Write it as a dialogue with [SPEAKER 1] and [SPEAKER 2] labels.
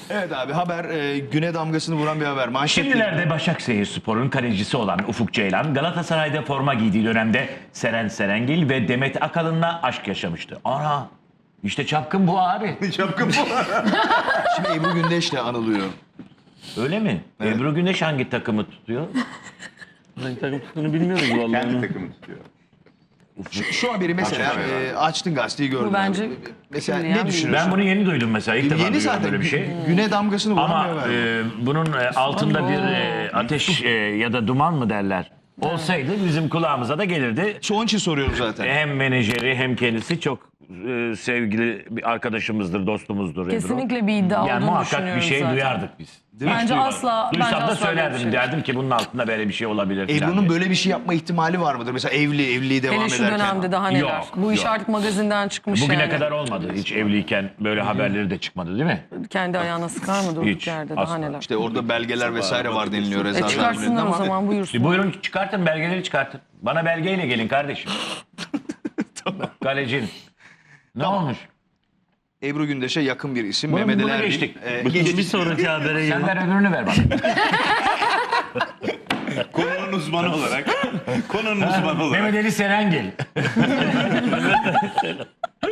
[SPEAKER 1] Evet abi haber güne damgasını vuran bir haber. Manşet.
[SPEAKER 2] Şimdilerde Başakşehirspor'un kalecisi olan Ufuk Ceylan Galatasaray'da forma giydiği dönemde Seren Serengil ve Demet Akalın'la aşk yaşamıştı. Ana işte çapkın bu abi.
[SPEAKER 1] Şapka bu. Şimdi Ebru Gündeş'le anılıyor.
[SPEAKER 2] Öyle mi?
[SPEAKER 1] Evet.
[SPEAKER 2] Ebru Güneş hangi takımı tutuyor?
[SPEAKER 3] Hangi takım tuttuğunu bilmiyoruz vallahi.
[SPEAKER 4] Kendi takımı tutuyor.
[SPEAKER 1] Şu haberi mesela açtın gazeteyi gördün.
[SPEAKER 5] Bu bence
[SPEAKER 1] abi. Mesela
[SPEAKER 5] külliyen
[SPEAKER 1] ne
[SPEAKER 5] bir-
[SPEAKER 1] düşünüyorsun?
[SPEAKER 2] Ben bunu yeni duydum mesela. İlk defa
[SPEAKER 1] Yeni
[SPEAKER 2] duyuyorum
[SPEAKER 1] zaten
[SPEAKER 2] böyle bir şey.
[SPEAKER 1] güne damgasını vuran
[SPEAKER 2] Ama
[SPEAKER 1] bir haber.
[SPEAKER 2] bunun altında bir ateş ya da duman mı derler? Olsaydı bizim kulağımıza da gelirdi.
[SPEAKER 1] Onun için soruyorum zaten.
[SPEAKER 2] Hem menajeri hem kendisi çok sevgili bir arkadaşımızdır, dostumuzdur. Ebru.
[SPEAKER 5] Kesinlikle bir iddia
[SPEAKER 2] Yani
[SPEAKER 5] olduğunu
[SPEAKER 2] muhakkak bir
[SPEAKER 5] düşünüyorum
[SPEAKER 2] şey
[SPEAKER 5] zaten.
[SPEAKER 2] duyardık biz.
[SPEAKER 5] Bence asla,
[SPEAKER 2] Duysam
[SPEAKER 5] bence
[SPEAKER 2] da
[SPEAKER 5] asla böyle bir
[SPEAKER 2] söylerdim.
[SPEAKER 5] şey yok.
[SPEAKER 2] Derdim ki bunun altında böyle bir şey olabilir. falan
[SPEAKER 1] Ebru'nun
[SPEAKER 2] diye.
[SPEAKER 1] böyle bir şey yapma ihtimali var mıdır? Mesela evliliği devam
[SPEAKER 5] Hele şu
[SPEAKER 1] ederken.
[SPEAKER 5] dönemde daha neler.
[SPEAKER 2] Yok,
[SPEAKER 5] Bu iş
[SPEAKER 2] yok.
[SPEAKER 5] artık magazinden çıkmış
[SPEAKER 2] Bugüne
[SPEAKER 5] yani.
[SPEAKER 2] kadar olmadı. Hiç evliyken böyle haberleri de çıkmadı değil mi?
[SPEAKER 5] Kendi ayağına sıkar mı durduk
[SPEAKER 2] Hiç,
[SPEAKER 5] yerde daha
[SPEAKER 2] asla.
[SPEAKER 5] neler.
[SPEAKER 1] İşte orada belgeler vesaire var deniliyor. Reza
[SPEAKER 5] Çıkarsınlar
[SPEAKER 1] Zarrab'ın
[SPEAKER 5] o
[SPEAKER 1] ama-
[SPEAKER 5] zaman buyursun.
[SPEAKER 2] Buyurun çıkartın belgeleri çıkartın. Bana belgeyle gelin kardeşim. Kalecin. Ne olmuş?
[SPEAKER 1] Ebru Gündeş'e yakın bir isim.
[SPEAKER 2] Bunu
[SPEAKER 1] Mehmet Ali Erbil.
[SPEAKER 2] geçtik.
[SPEAKER 3] Bir sonraki habere
[SPEAKER 2] Sen
[SPEAKER 3] gelin.
[SPEAKER 2] ver öbürünü ver bana.
[SPEAKER 4] Konunun uzmanı olarak. Konunun uzmanı olarak.
[SPEAKER 2] Mehmet Ali Serengil.